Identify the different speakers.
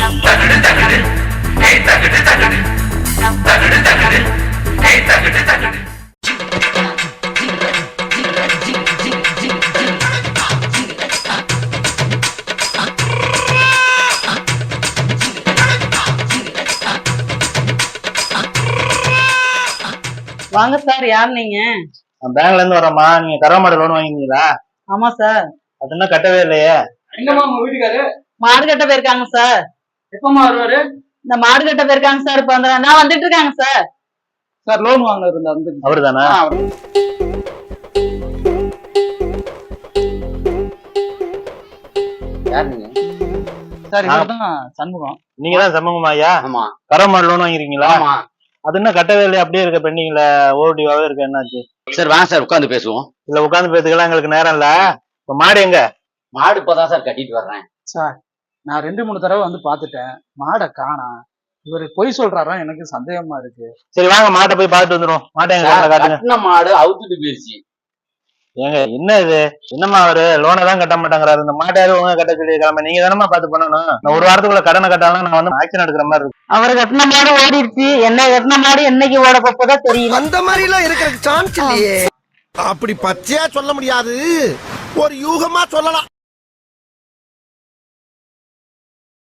Speaker 1: வாங்க சார், யார் நீங்க?
Speaker 2: பேங்க்ல இருந்து வரமா, நீங்க கறவை மாடு லோன் வாங்கினீங்களா?
Speaker 1: ஆமா சார்.
Speaker 2: அது இன்னும் கட்டவே இல்லையே.
Speaker 3: எங்கம்மா உங்க வீட்டுக்காரு?
Speaker 1: மாடு கட்ட போயிருக்காங்க சார்.
Speaker 3: எப்பமா வருவாரு?
Speaker 1: இந்த மாடு கட்ட போயிருக்காங்க சார். இப்ப நான் வந்துட்டு இருக்காங்க சார்.
Speaker 3: சார் லோன் வாங்க இருந்தா
Speaker 2: அவரு தானே?
Speaker 3: யார் நீங்க? சார் இவர்தான் சண்முகம்.
Speaker 2: நீங்க தான் சண்முகமா ஐயா?
Speaker 3: ஆமா.
Speaker 2: கறவை மாடு லோன் வாங்கிருக்கீங்களா?
Speaker 3: ஆமா.
Speaker 2: அது இன்னும் கட்டவே இல்லையா? அப்படியே இருக்க பெண்டிங்ல ஓடிவாவே இருக்கு. என்னாச்சு
Speaker 3: சார்? வாங்க சார் உட்காந்து பேசுவோம்.
Speaker 2: இல்ல உட்காந்து பேசுக்கலாம், எங்களுக்கு நேரம் இல்ல. இப்ப மாடு எங்க?
Speaker 3: மாடு இப்பதான் சார் கட்டிட்டு வர்றேன்.
Speaker 4: சார் நான் 2-3 தடவை வந்து பாத்துட்டேன், மாடை காணோம். இவரு பொய் சொல்றாரா? எனக்கு சந்தேகமா இருக்கு.
Speaker 2: சரி வாங்க, மாட்டை போய் பார்த்துட்டு வந்துடும். மாட்டை எங்க காட்டுங்க.
Speaker 3: கட்டின மாடு அவுத்துட்டு போயிருச்சு.
Speaker 2: ஏங்க என்ன இது? என்னம்மா அவரு லோனை தான் கட்ட மாட்டேங்கிறாரு. இந்த மாட்டையாவது ஒழுங்கா கட்ட சொல்லிருக்காம நீங்க தானமா பார்த்து பண்ணணும். நான் ஒரு வாரத்துக்குள்ள கடனை கட்டாலும் நான் வந்து ஆக்ஷன் எடுக்கிற மாதிரி இருக்கு.
Speaker 1: அவர் கட்டின மாடு ஓடிடுச்சு. என்ன கட்டின மாடு என்னைக்கு ஓட போப்பதான் தெரியும்.
Speaker 5: அந்த மாதிரி எல்லாம் இருக்கிற சான்ஸ் இல்லையே. அப்படி பச்சையா சொல்ல முடியாது, ஒரு யூகமா சொல்லலாம்.